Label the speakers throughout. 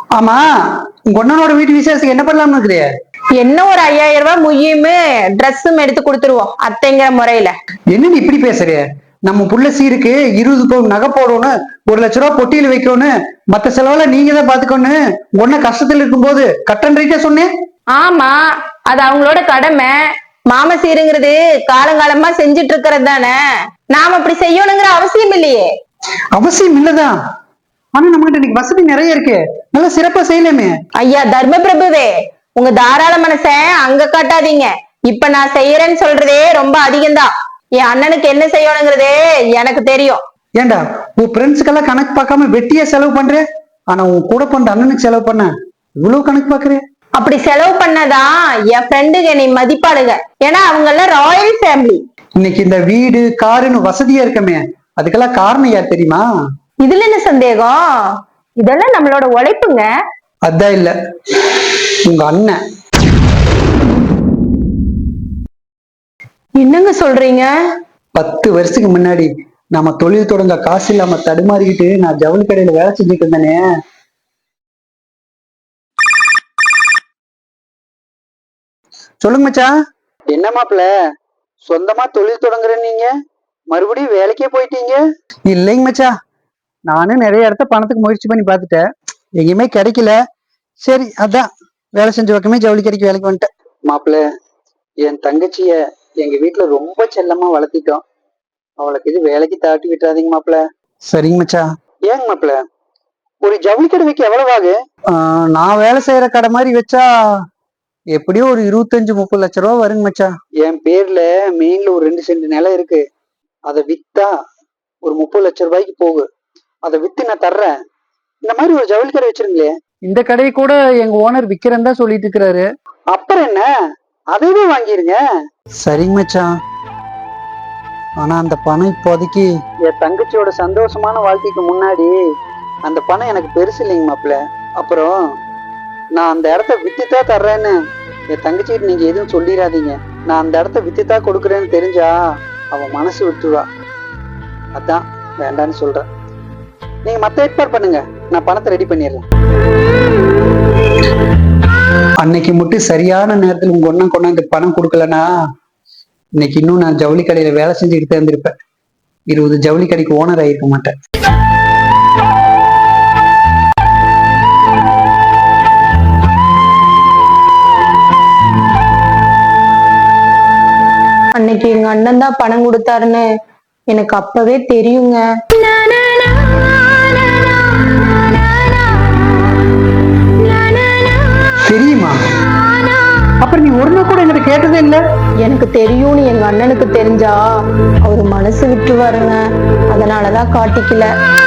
Speaker 1: ஆமா, உங்க அண்ணனோட வீட்டு விசேஷத்துக்கு என்ன பண்ணலாம்னு இருக்கிறிய?
Speaker 2: என்ன ஒரு 5000 ரூபாய் முய்யுமே ட்ரெஸ்ஸும் எடுத்து கொடுத்துருவோம் அத்தைங்கிற முறையில.
Speaker 1: என்ன நீ இப்படி பேசுற? நம்ம புள்ள சீருக்கு 20 பவுன் நகை போடணும், 1,00,000 ரூபாய் பொட்டியில வைக்கணும், மத்த செலவெல்லாம் நீங்க தான் பாத்துக்கணும். உன்ன கஷ்டத்துல இருக்கும்போது கட்டன்றிட்டே சொன்னேன்.
Speaker 2: ஆமா, அது அவங்களோட கடமை. மாம சீருங்கிறது காலங்காலமா செஞ்சுட்டு இருக்கிறது தானே. நாம அப்படி செய்யணுங்கிற அவசியம் இல்லையே.
Speaker 1: அவசியம் இல்லதான், ஆனா நம்மகிட்ட இன்னைக்கு வசதி நிறைய இருக்கு, நல்லா சிறப்பா செய்யலாமே.
Speaker 2: ஐயா தர்ம பிரபுவே, உங்க தாராள மனச அங்க காட்டாதீங்க. இப்ப நான் செய்யறேன்னு சொல்றதே ரொம்ப அதிகம்தான். என் அண்ணனுக்கு என்ன செய்யணுங்கிறதே எனக்கு தெரியும்.
Speaker 1: ஏண்டா உன் ஃப்ரெண்ட்ஸுக்கெல்லாம் கணக்கு பார்க்காம வெட்டியா செலவு பண்ற, ஆனா உன் கூட பண்ற அண்ணனுக்கு செலவு பண்ண இவ்வளவு கணக்கு பாக்குறேன்.
Speaker 2: அப்படி செலவு பண்ணதான் என் ஃப்ரெண்டுங்க என்னை மதிப்பாளுங்க. ஏன்னா அவங்க எல்லாம் ராயல் ஃபேமிலி.
Speaker 1: இன்னைக்கு இந்த வீடு காருன்னு வசதியா இருக்கமே, அதுக்கெல்லாம் காரணம் யார் தெரியுமா?
Speaker 2: இதுல என்ன சந்தேகம்? இதெல்லாம் நம்மளோட உழைப்புங்க.
Speaker 1: அதான் இல்ல, உங்க அண்ணன்.
Speaker 2: என்னங்க சொல்றீங்க?
Speaker 1: 10 வருஷத்துக்கு முன்னாடி நம்ம தொழில் தொடங்க காசு இல்லாம தடுமாறிக்கிட்டு நான் ஜவுளி கடையில வேலை செஞ்சுட்டு இருந்தேனே. சொல்லுங்க மச்சான். என்ன மாப்பிள்ள, சொந்தமா தொழில் தொடங்குறேன் நீங்க மறுபடியும் வேலைக்கே போயிட்டீங்க? இல்லைங்க மச்சா, நானும் நிறைய இடத்த பணத்துக்கு முயற்சி பண்ணி பார்த்துட்டேன், எங்கேயுமே கிடைக்கல. சரி அதான் வேலை செஞ்ச பக்கமே ஜவுளி கடைக்கு வேலைக்கு வந்துட்டேன். மாப்பிள்ள, என் தங்கச்சிய எங்க வீட்டுல ரொம்ப செல்லமா வளர்த்திட்டோம், அவளுக்கு இது வேலைக்கு தாட்டி விட்டுறாதீங்க மாப்பிள்ள. சரிங்க மச்சா. ஏங்க மாப்பிள்ள, ஒரு ஜவுளி கடை வைக்க எவ்வளவு ஆகு? நான் வேலை செய்யற கடை மாதிரி வச்சா எப்படியும் ஒரு 25-30 லட்சம் ரூபா வருங்க மச்சா. என் பேர்ல மெயின்ல ஒரு 2 சென்ட் நிலம் இருக்கு, அதை வித்தா ஒரு 30 லட்சம் ரூபாய்க்கு போகு. அதை வித்து நான் தர்றேன். இந்த மாதிரி ஒரு ஜவுளி கடை வச்சிருங்களே. இந்த கடையை கூட எங்க ஓனர் விக்கிறேன்னு தான் சொல்லிட்டு இருக்கிறாரு. அப்புறம் என்ன, அதையே வாங்கிருங்க. சரிங்க மச்சான், ஆனா அந்த பணம் இப்போதைக்கு என் தங்கச்சியோட சந்தோஷமான வாழ்க்கைக்கு முன்னாடி அந்த பணம் எனக்கு பெருசு இல்லைங்க மாப்பிள்ள. அப்புறம் நான் அந்த இடத்த வித்துதான் தர்றேன்னு என் தங்கச்சிட்டு நீங்க எதுவும் சொல்லிடாதீங்க. நான் அந்த இடத்த வித்துதான் கொடுக்குறேன்னு தெரிஞ்சா அவன் மனசு விட்டுருவா. அதான் வேண்டான்னு சொல்றேன். நீங்க மத்த ஏற்பாடு பண்ணுங்க, நான் பணத்தை ரெடி பண்ணிடுறேன். அன்னைக்கு மட்டும் சரியான நேரத்தில் உங்க ஒன்னும் கொண்டாந்து பணம் கொடுக்கலனா இன்னைக்கு இன்னும் நான் ஜவுளி கடையில வேலை செஞ்சுக்கிட்டு இருந்திருப்பேன். 20 ஜவுளி கடைக்கு ஓனர் ஆகிருக்க மாட்டேன்.
Speaker 2: அன்னைக்கு எங்க அண்ணன் தான் பணம் கொடுத்தாருன்னு எனக்கு அப்பவே தெரியுங்க.
Speaker 1: தெரியுமா? அப்புறம் நீ ஒரு நாள் கூட என்கிட்ட கேட்டதே இல்ல.
Speaker 2: எனக்கு தெரியும்னு எங்க அண்ணனுக்கு தெரிஞ்சா அவரு மனசு விட்டுருவாருங்க, அதனாலதான் காட்டிக்கல.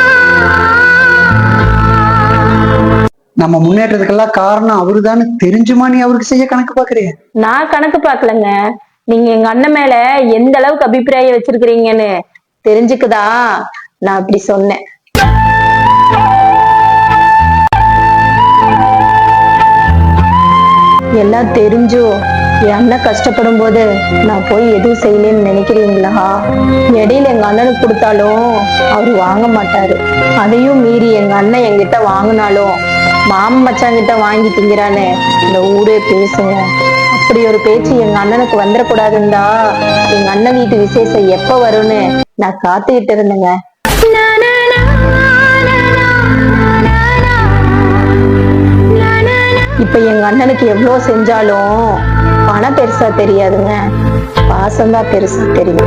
Speaker 1: நம்ம முன்னேற்றத்துக்கெல்லாம் காரணம் அவருதான்னு தெரிஞ்சுமா நீ அவருக்கு செய்ய கணக்கு பாக்குறிய?
Speaker 2: நான் கணக்கு பாக்கலங்க, நீங்க எங்க அண்ணன் மேல எந்த அளவுக்கு அபிப்பிராயம் வச்சிருக்கிறீங்கன்னு தெரிஞ்சுக்குதா நான் அப்படி சொன்னேன். எல்லாம் தெரிஞ்சும் என் அண்ணன் கஷ்டப்படும் போது நான் போய் எதுவும் செய்யலன்னு நினைக்கிறீங்களா? இடையில எங்க அண்ணனுக்கு கொடுத்தாலும் அவரு வாங்க மாட்டாரு. அதையும் மீறி எங்க அண்ணன் என்கிட்ட வாங்கினாலும் மாமன் மச்சாங்கிட்ட வாங்கி திங்கிறான்னு இந்த ஊரே பேசுங்க. அப்படி ஒரு பேச்சு எங்க அண்ணனுக்கு வந்துடக்கூடாதுந்தா எங்க அண்ணன் வீட்டு விசேஷம் எப்ப வரும்னு நான் காத்துக்கிட்டு இருந்தேங்க. இப்ப எங்க அண்ணனுக்கு எவ்வளவு செஞ்சாலும் பணம் பெருசா தெரியாதுங்க, பாசம்தான் பெருசா தெரியும்.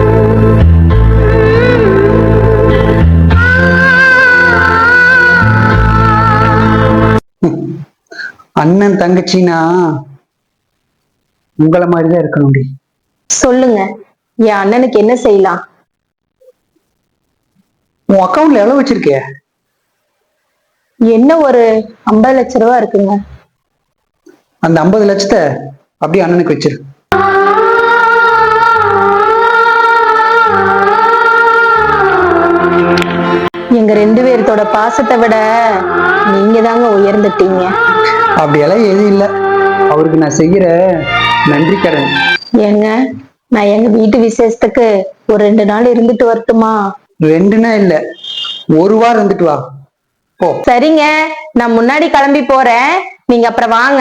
Speaker 1: அண்ணன் தங்கச்சினா உங்களை மாதிரிதான் இருக்கணும்.
Speaker 2: சொல்லுங்க, என் அண்ணனுக்கு என்ன செய்யலாம்?
Speaker 1: உன் அக்கவுண்ட்ல எவ்வளவு வச்சிருக்க?
Speaker 2: என்ன ஒரு 50 லட்சம் ரூபா இருக்குங்க.
Speaker 1: அந்த 50 லட்சத்தை அப்படியே அண்ணனுக்கு வச்சிரு.
Speaker 2: எங்க 2 பேர்த்தோட பாசத்தை விட நீங்க தாங்க உயர்ந்துட்டீங்க.
Speaker 1: அப்படியெல்லாம் எதுவும் இல்லை, அவருக்கு நான் செய்யற நன்றி கடன்.
Speaker 2: ஏங்க, நான் எங்க வீட்டு விசேஷத்துக்கு ஒரு 2 நாள் இருந்துட்டு வரட்டுமா?
Speaker 1: 2 நாள் இல்ல, 1 வாரம் இருந்துட்டு வா. போ.
Speaker 2: சரிங்க, நான் முன்னாடி கிளம்பி போறேன், நீங்க அப்புறம் வாங்க.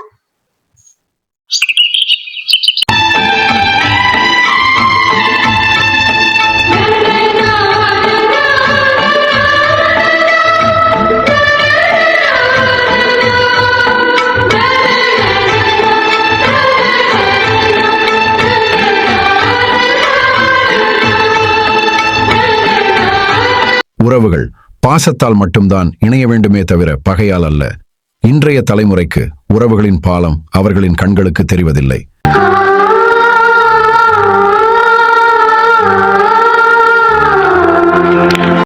Speaker 3: உறவுகள் பாசத்தால் மட்டும்தான் இணைய வேண்டுமே தவிர பகையால் அல்ல. இன்றைய தலைமுறைக்கு உறவுகளின் பாலம் அவர்களின் கண்களுக்கு தெரிவதில்லை.